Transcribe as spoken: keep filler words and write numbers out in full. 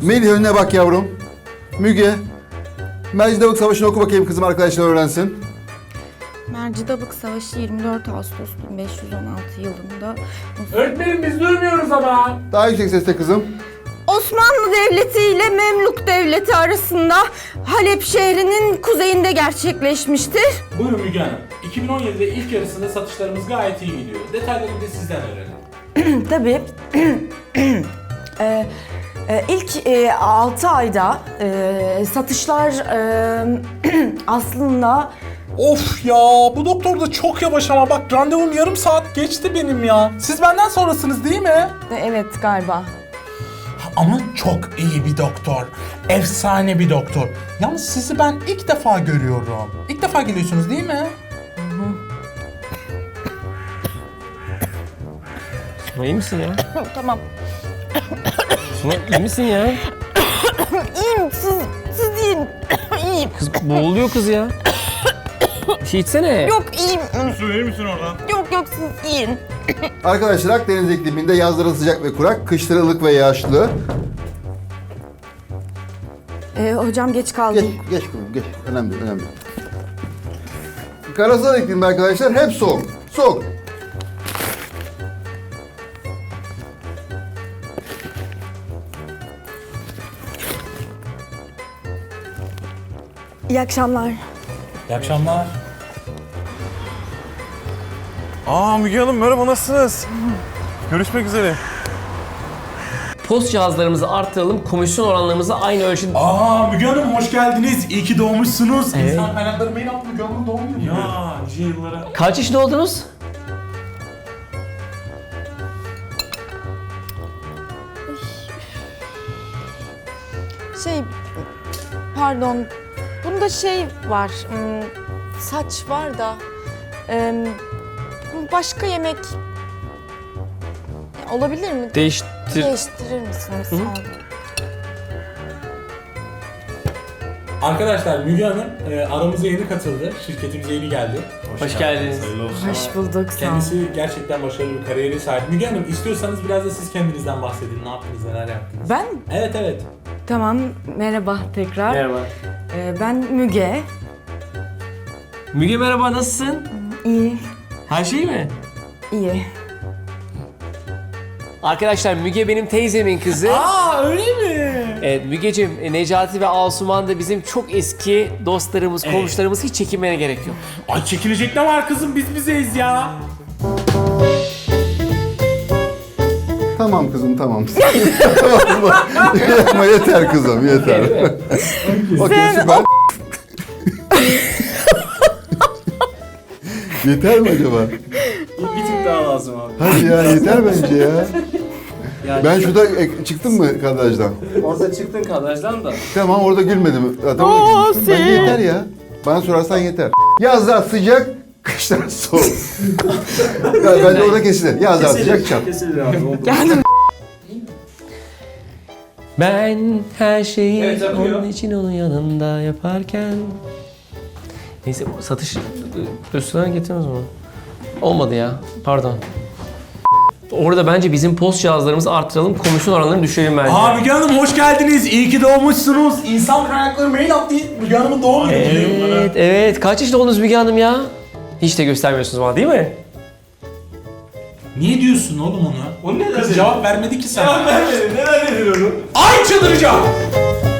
Melih önüne bak yavrum. Müge. Mercidabık Savaşı'nı oku bakayım kızım, arkadaşlar öğrensin. Mercidabık Savaşı yirmi dört Ağustos bin beş yüz on altı yılında... Öğretmenim biz duymuyoruz ama. Daha yüksek sesle kızım. Osmanlı Devleti ile Memluk Devleti arasında Halep şehrinin kuzeyinde gerçekleşmiştir. Buyurun Müge Hanım. iki bin on yedide ilk yarısında satışlarımız gayet iyi gidiyor. Detayları bir de sizden öğrenelim. Tabii. ee, e, ilk e, altı ayda e, satışlar e, aslında... Of ya, bu doktor da çok yavaş ama bak randevum yarım saat geçti benim ya. Siz benden sonrasınız değil mi? e, Evet galiba. Ama çok iyi bir doktor. Efsane bir doktor. Yalnız sizi ben ilk defa görüyorum. İlk defa geliyorsunuz değil mi? Suna iyi misin ya? Tamam. Suna iyi misin ya? İyiyim, siz, siz deyin. İyiyim. Kız boğuluyor kız ya. Bir şey içsene. Yok iyiyim. Su verir misin oradan? Yok yok siz yiyin. Arkadaşlar Akdeniz ikliminde yazları sıcak ve kurak, kışları ılık ve yağışlı. E, hocam geç Geç, kaldım. geç kızım, geç. Önemli değil, önemli. Karasal iklimde arkadaşlar hep soğuk. Soğuk. İyi akşamlar. İyi akşamlar. Aa Müge Hanım merhaba, nasılsınız? Görüşmek üzere. Post cihazlarımızı arttıralım, komisyon oranlarımızı aynı ölçüde... Aa Müge Hanım hoş geldiniz. İyi ki doğmuşsunuz. Evet. İnsan kaynakları mail attı Müge Hanım'ın doğum günü. Ya nice yıllara. Kaç yaşında oldunuz? Şey, pardon. Bunda şey var. hmm, Saç var da. em, Başka yemek olabilir mi? Değiştir... Değiştirir misiniz? Sağ olun. Arkadaşlar Müge Hanım e, aramıza yeni katıldı. Şirketimize yeni geldi. Hoş geldiniz. Hoş bulduk. Sağ olun. Kendisi gerçekten başarılı bir kariyeri sahip. Müge Hanım istiyorsanız biraz da siz kendinizden bahsedin. Ne yaptınız, neler yaptınız? Ben? Evet evet. Tamam. Merhaba tekrar. Merhaba. E, ben Müge. Müge merhaba, nasılsın? İyi. Her şey mi? İyi. Arkadaşlar Müge benim teyzemin kızı. Aa öyle mi? Evet Mügeciğim, e, Necati ve Asuman da bizim çok eski dostlarımız, komşularımız, hiç çekinmene gerek yok. Ay çekilecek ne var kızım, biz bizeyiz ya. Tamam kızım, tamam. Tamam mı? Ama yeter kızım, yeter. Okey, süper. Yeter mi acaba? Bir tık daha lazım abi. Hadi ya, yeter bence ya. Ben şurada e, çıktım mı kadrajdan? Orada çıktın kadrajdan da. Tamam, orada gülmedim. Zaten orada gülmüştüm. Bence yeter ya. Bana sorarsan yeter. Yazlar sıcak, kışlar soğuk. Ya, bence orada kesilir. Yazlar sıcak, çat. Kesilir abi. Oldu. Ben her şeyi Evet, yapıyor. onun için onun yanında yaparken... Neyse satış üstüne getirmez mi? Olmadı ya, pardon. Orada bence bizim post cihazlarımızı arttıralım, komisyon oranlarını düşürelim bence. Aa Müge Hanım hoş geldiniz. İyi ki doğmuşsunuz. İnsan kaynakları mail attı. Müge Hanım'ın doğum günü. Evet, evet. Kaç yaşında oldunuz Müge Hanım ya? Hiç de göstermiyorsunuz bana değil mi? Niye diyorsun oğlum onu? O ne Kız dedi? cevap vermedi ki sana. Cevap vermedi. Neler dedi onu? Ay çıldıracağım.